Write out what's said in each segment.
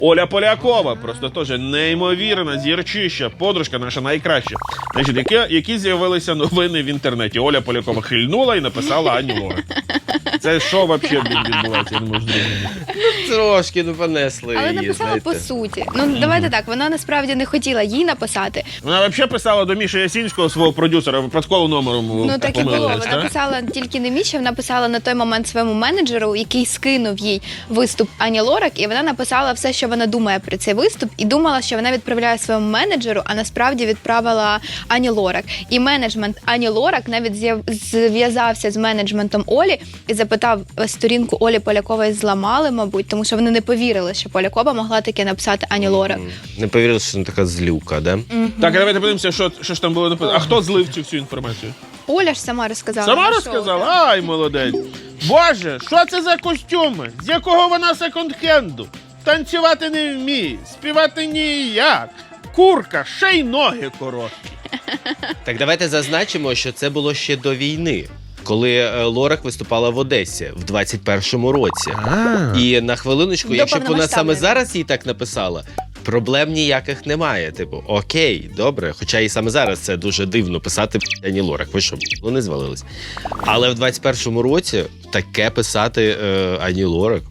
Оля Полякова, просто теж неймовірна зірчища, подружка наша найкраща. Значить, які з'явилися новини в інтернеті. Оля Полякова хильнула і написала Ані Лорак. Це що взагалі відбувається, я не можу зрозуміти. Трошки, понесли Але її, написала знаєте. по суті. Ну, давайте так, вона насправді не хотіла їй написати. Вона взагалі писала до Міші Ясінського, свого продюсера, випадково номером Ну, так і було. помилилась, Вона так? писала тільки не Міші, вона писала на той момент своєму менеджеру, який скинув їй виступ Ані Лорак, і вона написала все, що вона думає про цей виступ, і думала, що вона відправляє своєму менеджеру, а насправді відправила Ані Лорак. І менеджмент Ані Лорак навіть зв'язався з менеджментом Олі і запитав, сторінку Олі Полякової зламали, мабуть, тому що вони не повірили, що Полякова могла таке написати Ані Лорак. Не повірили, що вона така злюка, да? Так, а давайте подивимося, що ж там було написано. А хто злив цю всю інформацію? Оля ж сама розказала. Сама на розказала? шоу. Ай, молодець. Боже, що це за костюми? З якого вона секонд-хенду? Танцювати не вміє, співати ніяк. Курка, ще й ноги короткі. Так давайте зазначимо, що це було ще до війни, коли Лорак виступала в Одесі в 21-му році. І на хвилиночку, До якщо б вона саме повномасштабної. зараз їй так написала, проблем ніяких немає. Типу, окей, добре. Хоча і саме зараз це дуже дивно писати Ані Лорак. Ви що, вони звалились. Але в 21-му році таке писати Ані Лорак.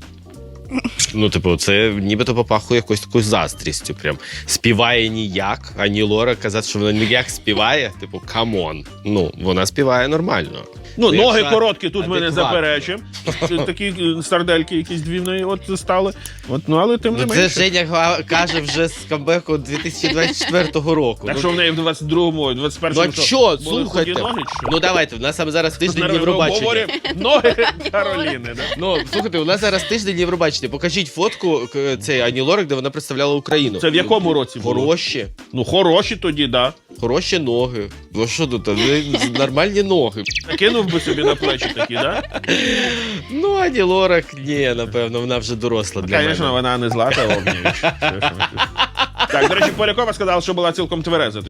Ну, типу, це нібито попахує якоюсь такою заздрістю. Прям співає ніяк, Ані Лорак казати, що вона ніяк співає. Типу, камон. Ну, вона співає нормально. Ну, ноги якщо короткі, тут мене адекватно. заперечуємо. Такі сардельки якісь дві в неї от стали. От, ну, але тим не Ну, це менше. Женя каже вже з камбеку 2024 року. Так Ну, що в неї в 22-му, 21-му ну а що, були слухайте. худі ноги, чи що? Ну давайте, в нас саме зараз тиждень Ми Євробачення. обговорюємо ноги Кароліни, да? Ну, слухайте, у нас зараз тиждень Євробачення. Покажіть фотку цієї Ані Лорак, де вона представляла Україну. Це в якому році було? Хороші. Ну, хороші тоді, да. Хороші ноги. Ну що тут, нормальні ноги. Накинув би собі на плечі такі, да? Ну, Ані Лорак, ні, напевно, вона вже доросла для Звісно, мене. вона не Злата Огнєвіч. Так, до речі, Полякова сказала, що була цілком твереза.